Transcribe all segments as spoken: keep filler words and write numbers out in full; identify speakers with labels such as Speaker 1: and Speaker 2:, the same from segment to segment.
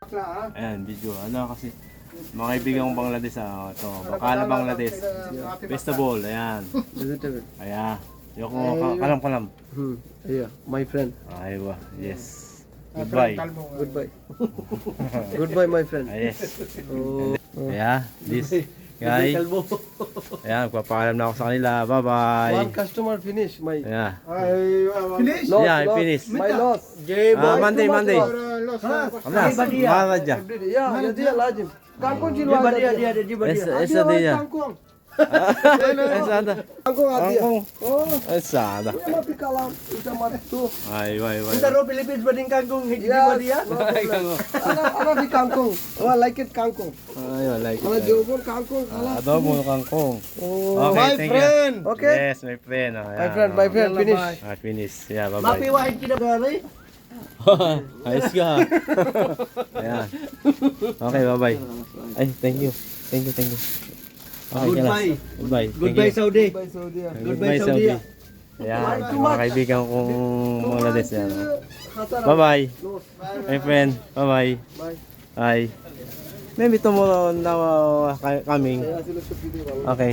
Speaker 1: bakla ha.
Speaker 2: Ayan, video. Ano kasi, mga kaibigan kong Bangladesh, ah, ito, Bakala Bangladesh. Festival, ayan.
Speaker 3: Vegetable.
Speaker 2: Ayan. Yung kalam-kalam.
Speaker 3: Hmm. Yeah, my friend.
Speaker 2: Aywa, yes. Goodbye.
Speaker 3: Goodbye. Goodbye, my friend.
Speaker 2: Ah, yes.
Speaker 3: Oh.
Speaker 2: Yeah, this guy. Ayan, magpapaalam na ako sa kanila. Bye-bye.
Speaker 3: One customer finish. My.
Speaker 2: Yeah.
Speaker 1: Finish?
Speaker 3: Loss,
Speaker 2: Yeah, I
Speaker 3: loss.
Speaker 2: finished.
Speaker 3: My loss.
Speaker 2: Ah, Monday, Monday.
Speaker 1: Loss.
Speaker 2: Alas, Maraja.
Speaker 3: Yeah, yeah, dia lazim. Kangkong jiwa dia dia dia
Speaker 2: Esa, esa dia.
Speaker 3: Kangkong.
Speaker 2: Esa ada.
Speaker 3: Kangkong dia.
Speaker 2: Kangkong.
Speaker 3: Oh,
Speaker 2: Esa ada.
Speaker 3: dia mati kalam. Kita mati tu.
Speaker 2: Ay, ay, ay.
Speaker 3: Kita ro Philippines bading kangkong jiwa dia. Ana ana di kangkong. Oh, like it kangkong.
Speaker 2: Ay, I like
Speaker 3: Ana
Speaker 2: it.
Speaker 3: jawabon kangkong. Ala.
Speaker 2: Adobo kangkong.
Speaker 3: Oh,
Speaker 2: Okay,
Speaker 3: my
Speaker 2: thank you.
Speaker 3: friend. Okay.
Speaker 2: Yes, my friend. Oh,
Speaker 3: My friend, my friend, finish.
Speaker 2: Ah, finish. Yeah, bye-bye.
Speaker 3: wahid kita gari.
Speaker 2: Ayos ka. Ayan. Okay, bye-bye. Ay, thank you. Thank you, thank you. Okay,
Speaker 3: Goodbye.
Speaker 2: Goodbye. Thank
Speaker 3: Goodbye
Speaker 2: you.
Speaker 3: Saudi. Goodbye Saudi.
Speaker 2: Goodbye, Saudi. Ayan, mga kaibigan kong Bangladesh yan. Bye-bye. My friend, bye-bye.
Speaker 3: Bye.
Speaker 2: Bye. Maybe tomorrow now uh, coming. Okay.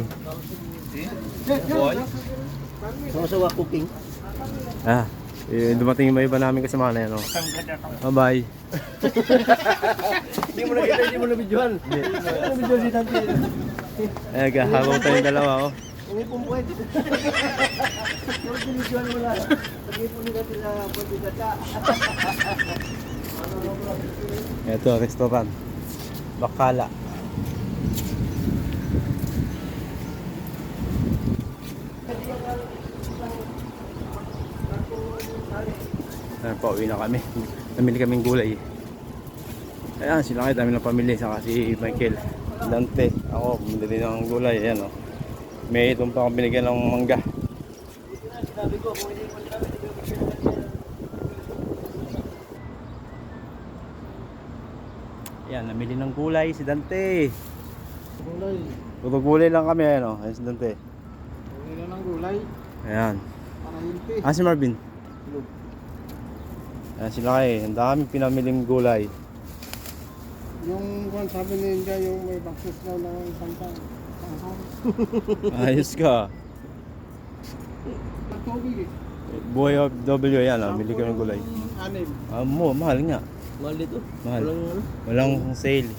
Speaker 3: Sama-sama cooking.
Speaker 2: Ah, eh, dumating yung iba namin kasama na yan. Oh. Bye-bye.
Speaker 3: Hindi mo na kita, hindi mo na videohan. Hindi mo videohan si Tante.
Speaker 2: Eh, habang tayong dalawa. Oh.
Speaker 3: Hindi po pwede. Pero binidyohan mo lang. Lagi po nila sila pwede kata.
Speaker 2: Ito, restaurant. Bakala. Ayan, pauwi na kami. Namili kaming gulay. Ayan, sila kayo, dami ng pamilya. Saka si Michael, Dante. Ako, bumili ng gulay. Ayan, oh. May itong pa akong binigyan ng mangga. Ayan, namili ng gulay si Dante.
Speaker 1: Gulay.
Speaker 2: Puro gulay lang kami. Ayan, oh. Ayan si Dante.
Speaker 1: Gulay ng gulay.
Speaker 2: Ayan.
Speaker 1: Para hilpi.
Speaker 2: Ah, si Marvin. Ayan sila kayo. Ang dami pinamiling gulay.
Speaker 1: Yung kung sabi ninja, yung may baksis daw ng isang tang.
Speaker 2: Ayos ka.
Speaker 1: Ang tubig eh.
Speaker 2: Buhay of W yan. Ah. Mili ka ng gulay.
Speaker 1: Anim.
Speaker 2: Ah, mo, mahal nga.
Speaker 3: Mahal dito.
Speaker 2: Mahal.
Speaker 3: Walang ano?
Speaker 2: Walang sale.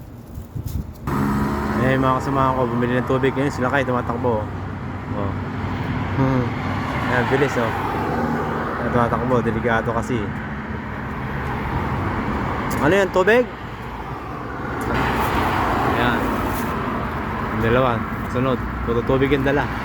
Speaker 2: Eh, mga kasamahan ko, bumili ng tubig. Ngayon sila kayo, tumatakbo. Oh. Hmm. Ayan, bilis oh. Ayan, tumatakbo, delikado kasi. Ano yan, tubig? Ayan. Yung dalawa, sunod. Puro tubig yung dala.